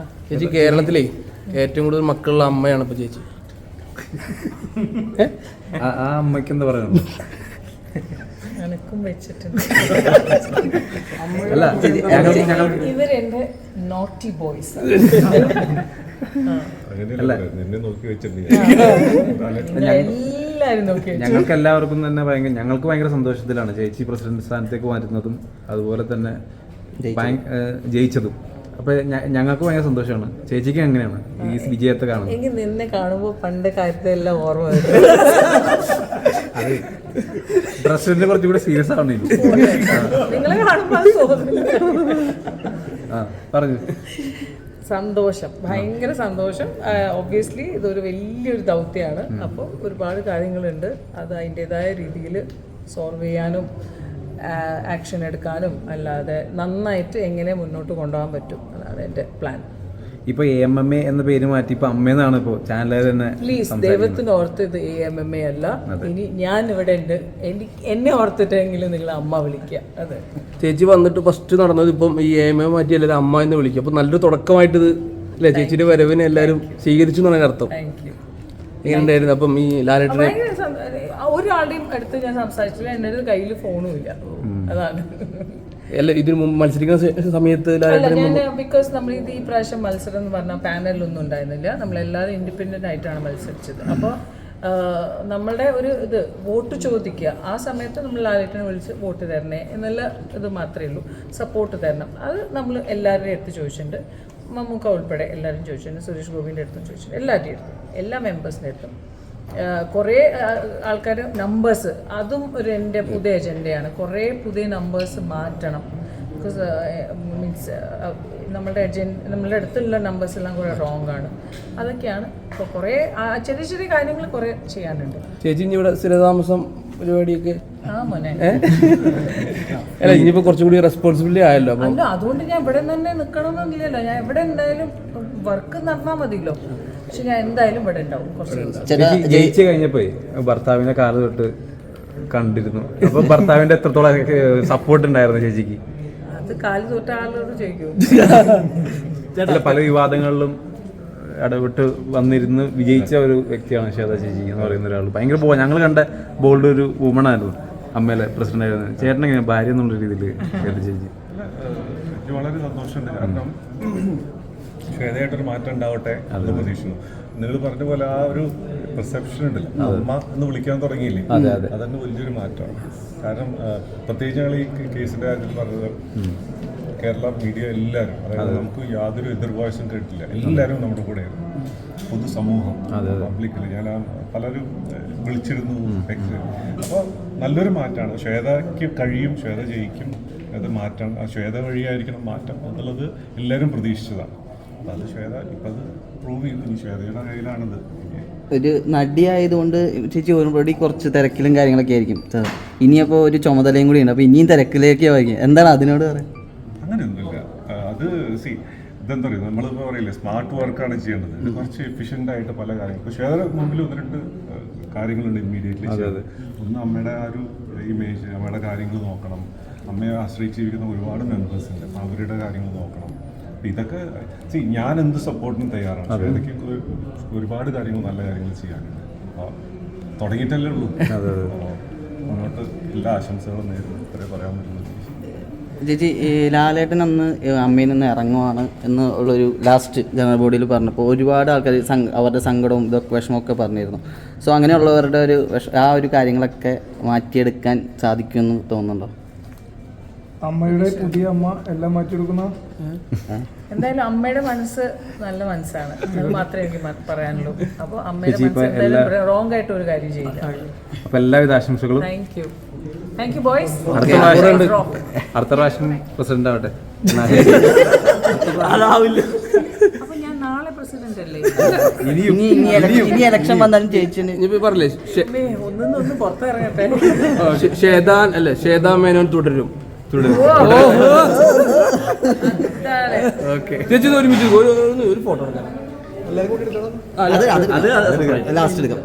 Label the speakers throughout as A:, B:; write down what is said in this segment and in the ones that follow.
A: ചേച്ചി കേരളത്തിലേ ഏറ്റവും കൂടുതൽ മക്കളുള്ള അമ്മയാണ് ഇപ്പൊ ചേച്ചി.
B: ആ അമ്മയ്ക്ക് എന്താ പറയണം?
C: അല്ല, ഇവരെന്റെ നോട്ടി ബോയ്സ്.
B: ഞങ്ങൾക്ക് എല്ലാവർക്കും തന്നെ ഞങ്ങൾക്ക് ഭയങ്കര സന്തോഷത്തിലാണ് ചേച്ചി പ്രസിഡന്റ് സ്ഥാനത്തേക്ക് മാറ്റുന്നതും അതുപോലെ തന്നെ ജയിച്ചതും. അപ്പൊ ഞങ്ങൾക്ക് ഭയങ്കര സന്തോഷമാണ്. ചേച്ചിക്ക് എങ്ങനെയാണ് ഈ വിജയത്തെ കാണുന്നത്?
C: എനിക്ക് നിന്നെ കാണുമ്പോ പണ്ട് കാര്യത്തെല്ലാം ഓർമ്മ വരും.
B: അത് പ്രസിഡന്റ് കുറച്ചുകൂടെ സീരിയസ് ആണ്.
C: നിങ്ങളെ കാണുമ്പോ
B: പറഞ്ഞു.
C: സന്തോഷം, ഭയങ്കര സന്തോഷം. ഒബ്വിയസ്ലി ഇതൊരു വലിയൊരു ദൗത്യമാണ്. അപ്പോൾ ഒരുപാട് കാര്യങ്ങളുണ്ട്. അത് അതിൻ്റെതായ രീതിയിൽ സോൾവ് ചെയ്യാനും ആക്ഷൻ എടുക്കാനും അല്ലാതെ നന്നായിട്ട് എങ്ങനെ മുന്നോട്ട് കൊണ്ടുപോകാൻ പറ്റും, അതാണ് എൻ്റെ പ്ലാൻ.
B: ഇപ്പൊ AMMA എന്ന പേര് മാറ്റി ഇപ്പൊ അമ്മയെന്നാണ് ഇപ്പൊ ചാനലിൽ തന്നെ.
C: പ്ലീസ് ദൈവത്തിന് ഓർത്ത് ഇത് AMMA അല്ല. ഇനി ഞാൻ ഇവിടെ ഉണ്ട്, എന്നെ ഓർത്തിട്ടെങ്കിലും നിങ്ങൾ അമ്മ വിളിക്കുക. അതെ,
A: ചേച്ചി വന്നിട്ട് ഫസ്റ്റ് നടന്നത് ഇപ്പം ഈ AMMA മാറ്റി എല്ലാവരും അമ്മ എന്ന് വിളിക്കുക. അപ്പൊ നല്ലൊരു തുടക്കമായിട്ട് ഇത് അല്ലേ, ചേച്ചിയുടെ വരവിനെ എല്ലാവരും സ്വീകരിച്ചു എന്നാണ് അർത്ഥം.
C: Thank you.
A: എങ്ങനെയുണ്ടായിരുന്നു അപ്പം ഈ ലാലേട്ടനെ?
C: ഒരാളുടെയും അടുത്ത് ഞാൻ സംസാരിച്ചില്ല, എൻ്റെ അടുത്ത് കയ്യിൽ ഫോണും ഇല്ല. അതാണ്.
A: അല്ല, ഇതിന് മുമ്പ് മത്സരിക്കുന്ന സമയത്ത്
C: ബിക്കോസ് നമ്മൾ ഈ പ്രാവശ്യം മത്സരം എന്ന് പറഞ്ഞാൽ പാനലൊന്നും ഉണ്ടായിരുന്നില്ല. നമ്മളെല്ലാവരും ഇൻഡിപെൻഡൻ്റ് ആയിട്ടാണ് മത്സരിച്ചത്. അപ്പോൾ നമ്മളുടെ ഒരു ഇത് വോട്ട് ചോദിക്കുക, ആ സമയത്ത് നമ്മൾ ലാലേട്ടനെ വിളിച്ച് വോട്ട് തരണേ എന്നുള്ള ഇത് മാത്രമേ ഉള്ളൂ. സപ്പോർട്ട് തരണം, അത് നമ്മൾ എല്ലാവരുടെയും അടുത്ത് ചോദിച്ചിട്ടുണ്ട്. മമ്മൂക്ക ഉൾപ്പെടെ എല്ലാവരും ചോദിച്ചിട്ടുണ്ട്. സുരേഷ് ഗോപിൻ്റെ അടുത്തും ചോദിച്ചിട്ടുണ്ട്. എല്ലാവരുടെയും അടുത്തും, എല്ലാ മെമ്പേഴ്സിൻ്റെ അടുത്തും. കുറേ ആൾക്കാർ നമ്പേഴ്സ്, അതും ഒരു എൻ്റെ പുതിയ അജണ്ടയാണ്. കുറേ പുതിയ നമ്പേഴ്സ് മാറ്റണം. ബിക്കോസ് മീൻസ് നമ്മളുടെ അടുത്തുള്ള നമ്പേഴ്സ് എല്ലാം കുറേ റോങ് ആണ്. അതൊക്കെയാണ് ഇപ്പോൾ കുറേ ചെറിയ ചെറിയ കാര്യങ്ങൾ കുറേ ചെയ്യാനുണ്ട്.
A: ചേച്ചി ഇനി ഇവിടെ സ്ഥിരതാമസം പരിപാടിയൊക്കെ
C: മോനെ
A: അല്ല, ഇനിയിപ്പോൾ കുറച്ചും കൂടി റെസ്പോൺസിബിലിറ്റി ആയല്ലോ.
C: അല്ല, അതുകൊണ്ട് ഞാൻ ഇവിടെ തന്നെ നിൽക്കണമെന്നില്ലല്ലോ. ഞാൻ എവിടെ എന്തായാലും വർക്ക് നടന്നാൽ മതിയല്ലോ. പക്ഷെ ഞാൻ എന്തായാലും ഇവിടെ ഉണ്ടാവും കുറച്ച് ദിവസം.
B: ജയിച്ചു കഴിഞ്ഞപ്പോ ഭർത്താവിനെ കാല് തൊട്ട് കണ്ടിരുന്നു. അപ്പൊ ഭർത്താവിന്റെ എത്രത്തോളം സപ്പോർട്ട് ഉണ്ടായിരുന്നു ചേച്ചിക്ക്?
C: അത് കാല് തൊട്ട ആളോട് ചോദിക്കും.
B: പല വിവാദങ്ങളിലും ഇടപെട്ട് വന്നിരുന്ന് വിജയിച്ച ഒരു വ്യക്തിയാണ് ശ്വേത ചേച്ചി എന്ന് പറയുന്ന ഒരാൾ. ഭയങ്കര ഞങ്ങൾ കണ്ട ബോൾഡ് ഒരു വുമൺ ആയിരുന്നു, അമ്മയിലെ പ്രസിഡന്റ് ആയിരുന്നു. ചേട്ടൻ എങ്ങനെ ഭാര്യ എന്നുള്ള രീതിയിൽ ശ്വേത ചേച്ചി?
D: വളരെ സന്തോഷമുണ്ട്. കാരണം ശ്വേതയായിട്ടൊരു മാറ്റം ഉണ്ടാവട്ടെ എന്ന് പ്രതീക്ഷിക്കുന്നു. നിങ്ങൾ പറഞ്ഞ പോലെ ആ ഒരു പെർസെപ്ഷൻ ഉണ്ടല്ലോ, അമ്മ എന്ന് വിളിക്കാൻ തുടങ്ങിയില്ലേ, അതന്നെ വലിയൊരു മാറ്റമാണ്. കാരണം പ്രത്യേകിച്ച് ഞങ്ങൾ ഈ കേസിന്റെ കാര്യത്തിൽ പറഞ്ഞത് കേരള മീഡിയ എല്ലാവരും, അതായത് നമുക്ക് യാതൊരു എതിർ വോയിസും കേട്ടില്ല, എല്ലാവരും നമ്മുടെ കൂടെയായിരുന്നു. പൊതുസമൂഹം, പബ്ലിക്കിൽ ഞാൻ പലരും വിളിച്ചിരുന്നു. അപ്പോൾ നല്ലൊരു മാറ്റമാണ്. ശ്വേതയ്ക്ക് കഴിയും, ശ്വേത ജയിക്കും, അത് മാറ്റം ശ്വേത വഴിയായിരിക്കണം മാറ്റം എന്നുള്ളത് എല്ലാവരും പ്രതീക്ഷിച്ചതാണ്. അപ്പോൾ അത് ശ്വേത ഇപ്പം അത് പ്രൂവ് ചെയ്തു. ഇനി ശ്വേതയുടെ കയ്യിലാണത്.
E: ഒരു നടിയായതുകൊണ്ട് ചേച്ചി ഓൾറെഡി കുറച്ച് തിരക്കിലും കാര്യങ്ങളൊക്കെ ആയിരിക്കും. ഇനിയപ്പോൾ ഒരു ചുമതലയും കൂടി ഉണ്ട്, അപ്പോൾ ഇനിയും തിരക്കിലേക്ക് ആയിരിക്കും. എന്താണ് അതിനോട് പറയാം?
D: അങ്ങനെയൊന്നുമില്ല. അത് ഇതെന്താ പറയുക, നമ്മളിപ്പോൾ പറയില്ലേ സ്മാർട്ട് വർക്കാണ് ചെയ്യേണ്ടത്. കുറച്ച് എഫിഷ്യൻ്റ് ആയിട്ട് പല കാര്യങ്ങളും. ഇപ്പോൾ ശ്വേത മുമ്പിൽ 1-2 കാര്യങ്ങളുണ്ട് ഇമ്മീഡിയറ്റ്ലി. ഒന്ന് അമ്മയുടെ ആ ഒരു ഇമേജ്, അമ്മയുടെ കാര്യങ്ങൾ നോക്കണം. അമ്മയെ ആശ്രയിച്ചിരിക്കുന്ന ഒരുപാട് മെമ്പേഴ്സ് ഉണ്ട്, അപ്പോൾ അവരുടെ കാര്യങ്ങൾ നോക്കണം. ഇതൊക്കെ ഞാൻ എന്ത് സപ്പോർട്ടിനും തയ്യാറാണ്. ശ്വേതയ്ക്ക് ഒരുപാട് കാര്യങ്ങൾ, നല്ല കാര്യങ്ങൾ ചെയ്യാനുണ്ട്. അപ്പോൾ തുടങ്ങിയിട്ടല്ലേ ഉള്ളൂ. മുന്നോട്ട് എല്ലാ ആശംസകളും നേരിടും, ഇത്രേ പറയാൻ പറ്റുന്നത്.
E: ചേച്ചി, ലാലേട്ടൻ അന്ന് അമ്മയിൽ നിന്ന് ഇറങ്ങുവാണ് എന്ന് ഉള്ളൊരു ലാസ്റ്റ് ജനറൽ ബോഡിയിൽ പറഞ്ഞപ്പോൾ ഒരുപാട് ആൾക്കാർ അവരുടെ സങ്കടവും ഇതൊക്കെ വിഷമമൊക്കെ പറഞ്ഞിരുന്നു. സോ അങ്ങനെയുള്ളവരുടെ ആ ഒരു കാര്യങ്ങളൊക്കെ മാറ്റിയെടുക്കാൻ സാധിക്കുമെന്ന് തോന്നുന്നുണ്ടോ?
F: അമ്മയുടെ പുതിയ അമ്മ എല്ലാം മാറ്റിയെടുക്കുന്ന
C: എന്തായാലും അമ്മയുടെ മനസ്സ് നല്ല മനസ്സാണ്, അത് മാത്രമേ എനിക്ക് പറയാനുള്ളൂ. അപ്പോൾ അമ്മയുടെ മനസ്സ് എന്തായാലും റോങ് ആയിട്ട് ഒരു കാര്യം ചെയ്യില്ല.
B: അപ്പോൾ എല്ലാവിധ ആശംസകളും.
C: Thank you boys.
B: അടുത്ത പ്രാവശ്യം പ്രസിഡന്റ് ആവട്ടെ.
C: അപ്പൊ ഞാൻ നാളെ പ്രസിഡന്റ് അല്ലേ?
E: ഇനി ഇലക്ഷൻ വന്നാലും ചേച്ചി
A: പറഞ്ഞില്ലേ
C: ഒന്നും പുറത്തിറങ്ങട്ടെ.
A: ശ്വേതാ മേനോൻ തുടരും. ചേച്ചി ഒരുമിച്ച് ഒരു ഫോട്ടോ
E: ലാസ്റ്റ് എടുക്കാം.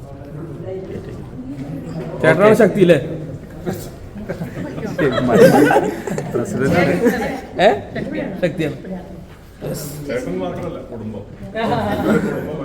A: ചേട്ടനാണ് ശക്തി അല്ലേ? ശക്തിയാണ്.
D: ചേട്ടൻ മാത്രമല്ല കുടുംബം